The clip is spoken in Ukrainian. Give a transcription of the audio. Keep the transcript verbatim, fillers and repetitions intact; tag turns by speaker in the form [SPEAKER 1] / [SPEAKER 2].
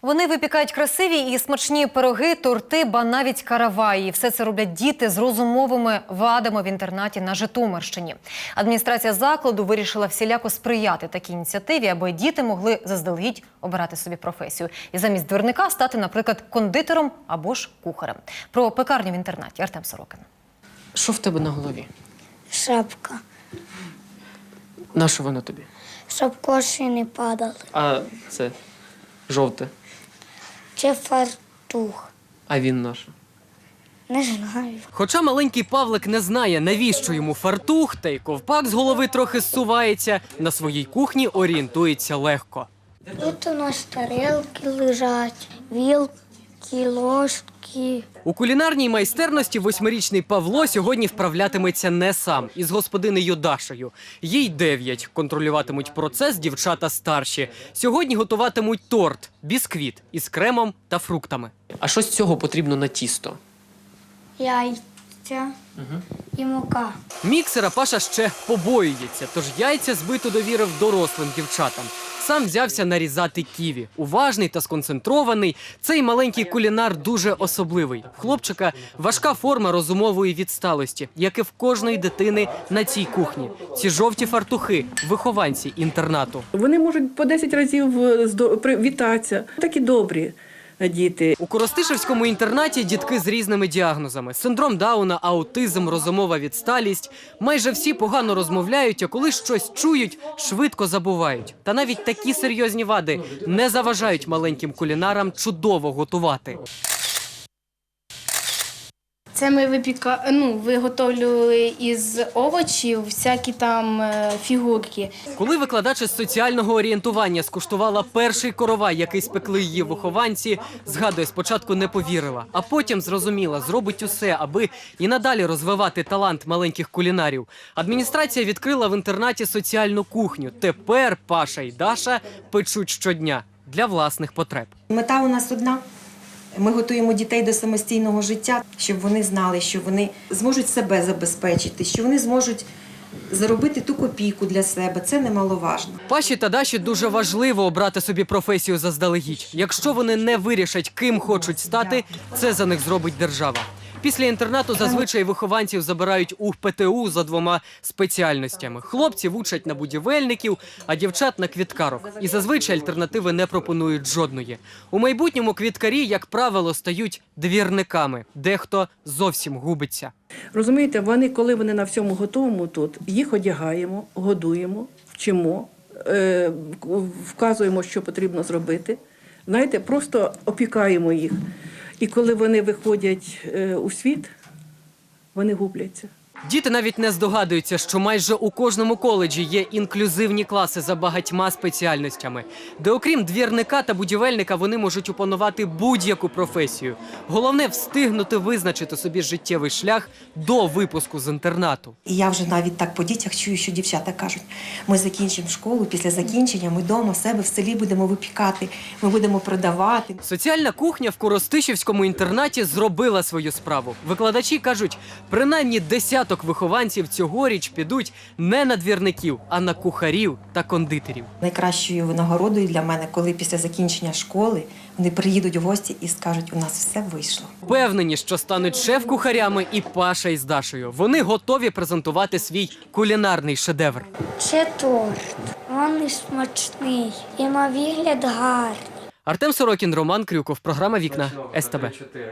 [SPEAKER 1] Вони випікають красиві і смачні пироги, торти, ба навіть караваї. Все це роблять діти з розумовими вадами в інтернаті на Житомирщині. Адміністрація закладу вирішила всіляко сприяти такій ініціативі, аби діти могли заздалегідь обирати собі професію. І замість двірника стати, наприклад, кондитером або ж кухарем. Про пекарню в інтернаті Артем Сорокін.
[SPEAKER 2] Що в тебе на голові?
[SPEAKER 3] Шапка.
[SPEAKER 2] На що вона тобі?
[SPEAKER 3] Щоб коші не падали.
[SPEAKER 2] А це жовте.
[SPEAKER 3] Чи фартух.
[SPEAKER 2] А він наш.
[SPEAKER 3] Не знаю.
[SPEAKER 2] Хоча маленький Павлик не знає, навіщо йому фартух, та й ковпак з голови трохи зсувається, на своїй кухні орієнтується легко.
[SPEAKER 3] Тут у нас тарелки лежать, вілки, ложки.
[SPEAKER 2] У кулінарній майстерності восьмирічний Павло сьогодні вправлятиметься не сам, із господинею Дашею. Їй дев'ять. Контролюватимуть процес дівчата старші. Сьогодні готуватимуть торт, бісквіт із кремом та фруктами. А що з цього потрібно на тісто?
[SPEAKER 3] Яйця угу. і мука.
[SPEAKER 2] Міксера Паша ще побоюється, тож яйця збито довірив дорослим дівчатам. Сам взявся нарізати ківі. Уважний та сконцентрований, цей маленький кулінар дуже особливий. В хлопчика важка форма розумової відсталості, як і в кожної дитини на цій кухні. Ці жовті фартухи – вихованці інтернату.
[SPEAKER 4] Вони можуть по десять разів вітатися. Такі добрі діти.
[SPEAKER 2] У Коростишівському інтернаті дітки з різними діагнозами. Синдром Дауна, аутизм, розумова відсталість. Майже всі погано розмовляють, а коли щось чують, швидко забувають. Та навіть такі серйозні вади не заважають маленьким кулінарам чудово готувати.
[SPEAKER 5] Це ми випіка... ну, виготовлювали із овочів всякі там фігурки.
[SPEAKER 2] Коли викладач із соціального орієнтування скуштувала перший коровай, який спекли її вихованці, згадує, спочатку не повірила, а потім зрозуміла, зробить усе, аби і надалі розвивати талант маленьких кулінарів. Адміністрація відкрила в інтернаті соціальну кухню. Тепер Паша і Даша печуть щодня для власних потреб.
[SPEAKER 6] Мета у нас одна. Ми готуємо дітей до самостійного життя, щоб вони знали, що вони зможуть себе забезпечити, що вони зможуть заробити ту копійку для себе. Це немаловажно.
[SPEAKER 2] Паші та Даші дуже важливо обрати собі професію заздалегідь. Якщо вони не вирішать, ким хочуть стати, це за них зробить держава. Після інтернату зазвичай вихованців забирають у пе те у за двома спеціальностями. Хлопців учать на будівельників, а дівчат – на квіткарок. І зазвичай альтернативи не пропонують жодної. У майбутньому квіткарі, як правило, стають двірниками. Дехто зовсім губиться.
[SPEAKER 4] Розумієте, вони, коли вони на всьому готовому тут, їх одягаємо, годуємо, вчимо, е, вказуємо, що потрібно зробити. Знаєте, просто опікаємо їх. І коли вони виходять е, у світ, вони губляться.
[SPEAKER 2] Діти навіть не здогадуються, що майже у кожному коледжі є інклюзивні класи за багатьма спеціальностями, де окрім двірника та будівельника вони можуть опанувати будь-яку професію. Головне – встигнути визначити собі життєвий шлях до випуску з інтернату.
[SPEAKER 6] І я вже навіть так по дітях чую, що дівчата кажуть, ми закінчимо школу, після закінчення ми вдома себе в селі будемо випікати, ми будемо продавати.
[SPEAKER 2] Соціальна кухня в Коростишівському інтернаті зробила свою справу. Викладачі кажуть, принаймні десяток вихованців цьогоріч підуть не на двірників, а на кухарів та кондитерів.
[SPEAKER 6] Найкращою винагородою для мене, коли після закінчення школи вони приїдуть в гості і скажуть, у нас все вийшло.
[SPEAKER 2] Впевнені, що стануть шеф-кухарями і Паша із Дашею. Вони готові презентувати свій кулінарний шедевр.
[SPEAKER 3] Це торт. Він смачний і на вигляд гарний.
[SPEAKER 2] Артем Сорокін, Роман Крюков. Програма «Вікна» ес те бе.